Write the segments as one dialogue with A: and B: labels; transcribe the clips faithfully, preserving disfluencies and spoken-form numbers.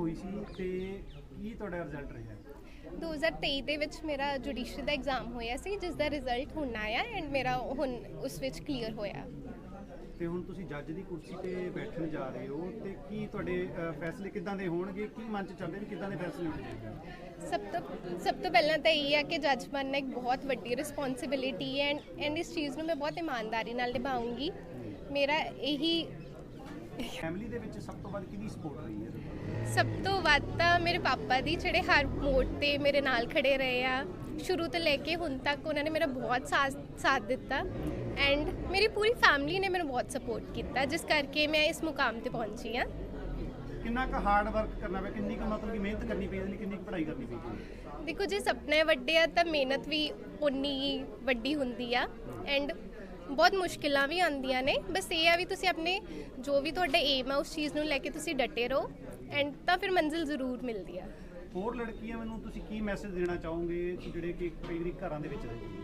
A: ਹੋਈ ਸੀ ਤੇ ਕੀ ਤੁਹਾਡਾ ਰਿਜ਼ਲਟ ਰਿਹਾ?
B: ਦੋ ਹਜ਼ਾਰ ਤੇਈ ਦੇ ਵਿੱਚ ਮੇਰਾ ਜੁਡੀਸ਼ਰੀ ਦਾ ਐਗਜ਼ਾਮ ਹੋਇਆ ਸੀ, ਜਿਸ ਦਾ ਰਿਜ਼ਲਟ ਹੁਣ ਆਇਆ ਐਂਡ ਮੇਰਾ ਹੁਣ ਉਸ ਵਿੱਚ ਕਲੀਅਰ ਹੋਇਆ।
A: ਤੇ ਹੁਣ ਤੁਸੀਂ ਜੱਜ ਦੀ ਕੁਰਸੀ ਤੇ ਬੈਠਣ ਜਾ ਰਹੇ ਹੋ ਤੇ ਕੀ ਤੁਹਾਡੇ ਅ, ਫੈਸਲੇ ਕਿੱਦਾਂ ਦੇ ਹੋਣਗੇ? ਕੀ ਮਨ ਚ ਚੱਲਦੇ ਵੀ ਕਿੱਦਾਂ ਦੇ ਫੈਸਲੇ ਹੋਣੇ ਚਾਹੀਦੇ?
B: ਸਭ ਤੋਂ ਸਭ ਤੋਂ ਪਹਿਲਾਂ ਤਾਂ ਇਹ ਹੈ ਕਿ ਜੱਜ ਬਣਨਾ ਇੱਕ ਬਹੁਤ ਵੱਡੀ ਰਿਸਪੌਂਸਿਬਿਲਿਟੀ ਹੈ ਐਂਡ ਐਂਡ ਇਸ ਚੀਜ਼ ਨੂੰ ਮੈਂ ਬਹੁਤ ਇਮਾਨਦਾਰੀ ਨਾਲ ਨਿਭਾਉਂਗੀ। ਮੇਰਾ ਇਹੀ
A: ਫੈਮਿਲੀ ਦੇ ਵਿੱਚ ਸਭ ਤੋਂ ਵੱਧ ਕਿਹਦੀ ਸਪੋਰਟ ਰਹੀ ਹੈ?
B: ਸਭ ਤੋਂ ਵੱਧ ਤਾਂ ਮੇਰੇ ਪਾਪਾ ਦੀ, ਜਿਹੜੇ ਹਰ ਮੋੜ ਤੇ ਮੇਰੇ ਨਾਲ ਖੜੇ ਰਹੇ ਆ ਸ਼ੁਰੂ ਤੋਂ ਲੈ ਕੇ ਹੁਣ ਤੱਕ। ਉਹਨਾਂ ਨੇ ਮੇਰਾ ਬਹੁਤ ਸਾਥ ਸਾਥ ਦਿੱਤਾ ਐਂਡ ਮੇਰੀ ਪੂਰੀ ਫੈਮਿਲੀ ਨੇ ਮੈਨੂੰ ਬਹੁਤ ਸਪੋਰਟ ਕੀਤਾ, ਜਿਸ ਕਰਕੇ ਮੈਂ ਇਸ ਮੁਕਾਮ ਤੇ ਪਹੁੰਚੀ ਹਾਂ।
A: ਕਿੰਨਾ ਕੁ ਹਾਰਡ ਵਰਕ ਕਰਨਾ ਪਿਆ, ਕਿੰਨੀ ਕੁ ਮਤਲਬ ਕਿ ਮਿਹਨਤ ਕਰਨੀ ਪਈ, ਇਹਦੇ ਲਈ ਕਿੰਨੀ ਕੁ ਪੜ੍ਹਾਈ ਕਰਨੀ ਪਈ?
B: ਦੇਖੋ, ਜੇ ਸੁਪਨੇ ਵੱਡੇ ਆ ਤਾਂ ਮਿਹਨਤ ਵੀ ਉਨੀ ਹੀ ਵੱਡੀ ਹੁੰਦੀ ਆ ਐਂਡ ਬਹੁਤ ਮੁਸ਼ਕਿਲਾਂ ਵੀ ਆਉਂਦੀਆਂ ਨੇ। ਬਸ ਇਹ ਆ ਵੀ ਤੁਸੀਂ ਆਪਣੇ ਜੋ ਵੀ ਤੁਹਾਡਾ ਏਮ ਆ ਉਸ ਚੀਜ਼ ਨੂੰ ਲੈ ਕੇ ਤੁਸੀਂ ਡਟੇ ਰਹੋ ਐਂਡ ਤਾਂ ਫਿਰ ਮੰਜ਼ਿਲ ਜ਼ਰੂਰ ਮਿਲਦੀ ਆ।
A: ਹੋਰ ਲੜਕੀਆਂ ਨੂੰ ਤੁਸੀਂ ਕੀ ਮੈਸੇਜ ਦੇਣਾ ਚਾਹੋਗੇ ਜਿਹੜੇ ਕਿ ਕਈ ਵਾਰੀ ਘਰਾਂ ਦੇ ਵਿੱਚ ਰਹਿੰਦੇ?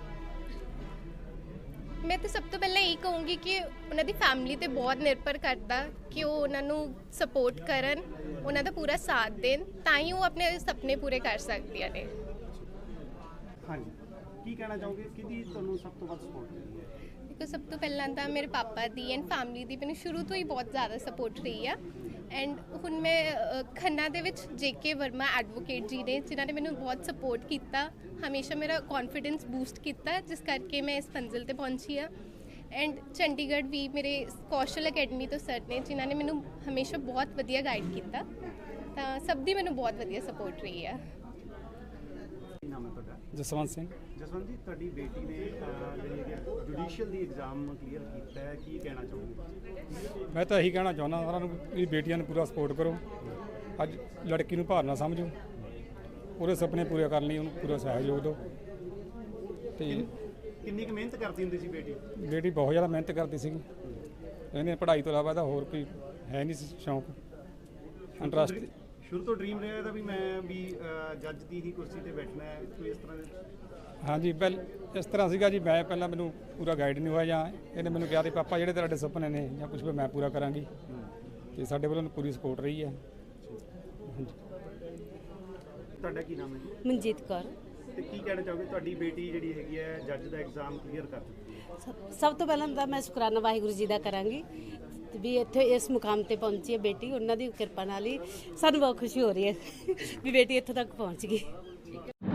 B: ਮੈਂ ਤਾਂ ਸਭ ਤੋਂ ਪਹਿਲਾਂ ਇਹ ਕਹੂੰਗੀ ਕਿ ਉਹਨਾਂ ਦੀ ਫੈਮਿਲੀ ਤੇ ਬਹੁਤ ਨਿਰਭਰ ਕਰਦਾ ਕਿ ਉਹ ਉਹਨਾਂ ਨੂੰ ਸਪੋਰਟ ਕਰਨ, ਉਹਨਾਂ ਦਾ ਪੂਰਾ ਸਾਥ ਦੇਣ, ਤਾਂ ਹੀ ਉਹ ਆਪਣੇ ਸੁਪਨੇ ਪੂਰੇ ਕਰ ਸਕਦੀਆਂ ਨੇ।
A: ਹਾਂਜੀ, ਕੀ ਕਹਿਣਾ ਚਾਹੋਗੇ, ਕਿਹਦੀ ਤੁਹਾਨੂੰ ਸਭ ਤੋਂ ਵੱਧ ਸਪੋਰਟ ਮਿਲੀ ਹੈ?
B: ਦੇਖੋ, ਸਭ ਤੋਂ ਪਹਿਲਾਂ ਤਾਂ ਮੇਰੇ ਪਾਪਾ ਦੀ ਐਂਡ ਫੈਮਿਲੀ ਦੀ ਮੈਨੂੰ ਸ਼ੁਰੂ ਤੋਂ ਹੀ ਬਹੁਤ ਜ਼ਿਆਦਾ ਸਪੋਰਟ ਰਹੀ ਆ ਐਂਡ ਹੁਣ ਮੈਂ ਅ, ਖੰਨਾ ਦੇ ਵਿੱਚ ਜੇ ਕੇ ਵਰਮਾ ਐਡਵੋਕੇਟ ਜੀ ਨੇ, ਜਿਨ੍ਹਾਂ ਨੇ ਮੈਨੂੰ ਬਹੁਤ ਸਪੋਰਟ ਕੀਤਾ, ਹਮੇਸ਼ਾ ਮੇਰਾ ਕੌਨਫੀਡੈਂਸ ਬੂਸਟ ਕੀਤਾ, ਜਿਸ ਕਰਕੇ ਮੈਂ ਇਸ ਮੰਜ਼ਿਲ ਤੇ ਪਹੁੰਚੀ ਆ। ਐਂਡ ਚੰਡੀਗੜ੍ਹ ਵੀ ਮੇਰੇ ਕੌਸ਼ਲ ਅਕੈਡਮੀ ਤੋਂ ਸਰ ਨੇ, ਜਿਨ੍ਹਾਂ ਨੇ ਮੈਨੂੰ ਹਮੇਸ਼ਾ ਬਹੁਤ ਵਧੀਆ ਗਾਈਡ ਕੀਤਾ, ਤਾਂ ਸਭ ਦੀ ਮੈਨੂੰ ਬਹੁਤ ਵਧੀਆ ਸਪੋਰਟ ਰਹੀ ਆ।
A: ਕੀ ਨਾਮ ਹੈ ਤੁਹਾਡਾ?
C: ਜਸਵੰਤ ਸਿੰਘ।
A: ਜਸਵੰਤ ਜੀ, ਤੁਹਾਡੀ ਬੇਟੀ ਨੇ ਅਹ, ਜਿਹੜੀ ਹੈ ਜੁਡੀਸ਼ੀਅਲ ਦੀ ਐਗਜ਼ਾਮ ਕਲੀਅਰ ਕੀਤਾ ਹੈ, ਕੀ ਕਹਿਣਾ ਚਾਹੋਗੇ?
C: ਮੈਂ ਤਾਂ ਇਹੀ ਕਹਿਣਾ ਚਾਹੁੰਦਾ ਸਾਰਿਆਂ ਨੂੰ ਵੀ ਬੇਟੀਆਂ ਨੂੰ ਪੂਰਾ ਸਪੋਰਟ ਕਰੋ। ਅੱਜ ਲੜਕੀ ਨੂੰ ਭਾਰ ਨਾ ਸਮਝੋ, ਉਹਦੇ ਸੁਪਨੇ ਪੂਰੇ ਕਰਨ ਲਈ ਉਹਨੂੰ ਪੂਰਾ ਸਹਿਯੋਗ ਦਿਓ। ਤੇ
A: ਕਿੰਨੀ ਕੁ ਮਿਹਨਤ ਕਰਦੀ ਹੁੰਦੀ ਸੀ ਬੇਟੀ?
C: ਬੇਟੀ ਬਹੁਤ ਜ਼ਿਆਦਾ ਮਿਹਨਤ ਕਰਦੀ ਸੀਗੀ। ਇਹਨੇ ਪੜ੍ਹਾਈ ਤੋਂ ਇਲਾਵਾ ਇਹਦਾ ਹੋਰ ਕੋਈ ਹੈ ਨਹੀਂ ਸੀ ਸ਼ੌਂਕ, ਇੰਟਰਸਟ।
A: ਸ਼ੁਰੂ ਤੋਂ ਡ੍ਰੀਮ ਰਿਹਾ ਇਹਦਾ ਵੀ ਮੈਂ ਵੀ ਅਹ, ਜੱਜ ਦੀ ਹੀ ਕੁਰਸੀ ਤੇ ਬੈਠਣਾ ਹੈ, ਕੋਈ ਇਸ ਤਰ੍ਹਾਂ ਦੇ?
C: ਹਾਂਜੀ, ਪਹਿਲ ਇਸ ਤਰ੍ਹਾਂ ਸੀਗਾ ਜੀ। ਮੈਂ ਪਹਿਲਾਂ ਮੈਨੂੰ ਪੂਰਾ ਗਾਈਡ ਨਹੀਂ ਹੋਇਆ, ਜਾਂ ਇਹਨੇ ਮੈਨੂੰ ਕਿਹਾ ਕਿ ਪਾਪਾ ਜਿਹੜੇ ਤੁਹਾਡੇ ਸੁਪਨੇ ਨੇ ਜਾਂ ਕੁਝ ਵੀ ਮੈਂ ਪੂਰਾ ਕਰਾਂਗੀ, ਤੇ ਸਾਡੇ ਵੱਲੋਂ ਪੂਰੀ ਸਪੋਰਟ ਰਹੀ ਹੈ। ਹਾਂਜੀ।
A: ਤੁਹਾਡਾ ਕੀ ਨਾਮ ਹੈ ਜੀ?
D: ਮਨਜੀਤ ਕੌਰ।
A: ਤੇ ਕੀ ਕਹਿਣਾ ਚਾਹੋਗੇ, ਤੁਹਾਡੀ ਬੇਟੀ ਜਿਹੜੀ ਹੈਗੀ ਹੈ ਜੱਜ ਦਾ ਐਗਜ਼ਾਮ ਕਲੀਅਰ ਕਰ ਚੁੱਕੀ ਹੈ?
D: ਸਭ- ਸਭ ਤੋਂ ਪਹਿਲਾਂ ਤਾਂ ਮੈਂ ਸ਼ੁਕਰਾਨਾ ਵਾਹਿਗੁਰੂ ਜੀ ਦਾ ਕਰਾਂਗੀ ਵੀ ਇੱਥੇ ਇਸ ਮੁਕਾਮ ਤੇ ਪਹੁੰਚੀ ਹੈ ਬੇਟੀ। ਉਹਨਾਂ ਦੀ ਕਿਰਪਾ ਨਾਲ ਹੀ ਸਾਨੂੰ ਬਹੁਤ ਖੁਸ਼ੀ ਹੋ ਰਹੀ ਹੈ ਵੀ ਬੇਟੀ ਇੱਥੋਂ ਤੱਕ ਪਹੁੰਚ ਗਈ।